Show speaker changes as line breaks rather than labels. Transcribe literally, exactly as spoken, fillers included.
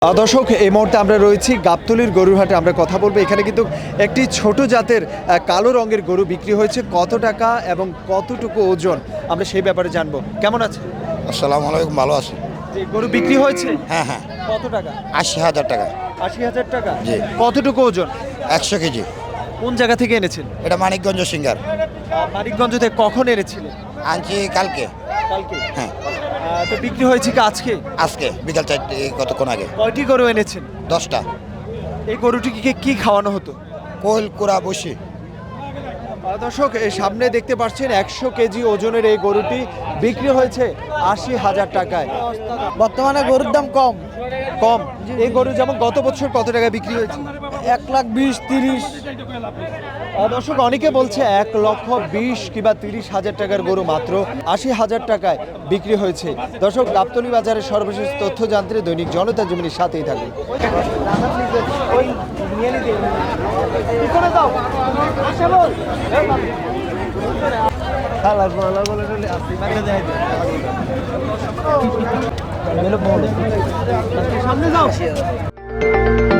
আহ, দর্শক এই মুহূর্তে আমরা রয়েছি গাবতলীর গরুর হাটে। আমরা কথা বলবো এখানে কিন্তু একটি ছোট জাতের আহ, কালো রঙের গরু বিক্রি হয়েছে। কত টাকা এবং কতটুকু ওজন আমরা সেই ব্যাপারে জানবো। কেমন আছে?
আসসালামু আলাইকুম, ভালো আছি।
যে গরু বিক্রি হয়েছে
হ্যাঁ হ্যাঁ,
কত টাকা?
আশি হাজার টাকা।
আশি হাজার টাকা।
জি।
কতটুকু ওজন?
একশো কেজি।
কোন জায়গা থেকে এনেছেন?
এটা মানিকগঞ্জ সিঙ্গার।
আহ, মানিকগঞ্জ থেকে কখন এনেছিলেন?
আনছি কালকে।
কালকে।
হ্যাঁ,
আহ, তো বিক্রি হয়েছে কি আজকে?
আজকে বিকাল চারটে, কতক্ষণ আগে।
কয়টি গরু এনেছেন?
দশটা।
এই গরুটিকে কি খাওয়ানো হতো?
কোল কুড়া বসি।
আহ, দর্শক এই সামনে দেখতে পাচ্ছেন একশো কেজি ওজনের এই গরুটি বিক্রি হয়েছে আশি হাজার টাকায়।
বর্তমানে গরুর দাম কম,
কম। এই গরু যেমন গত বছর কত টাকায় বিক্রি হয়েছে?
এক লাখ বিশ তিরিশ।
আহ, দর্শক অনেকে বলছে এক লক্ষ বিশ কিংবা তিরিশ হাজার টাকার গরু মাত্র আশি হাজার টাকায় বিক্রি হয়েছে। দর্শক গাবতলী বাজারের সর্বশেষ তথ্য জানতে দৈনিক জনতা জমিনের সাথেই থাকুন। সামনে যাও।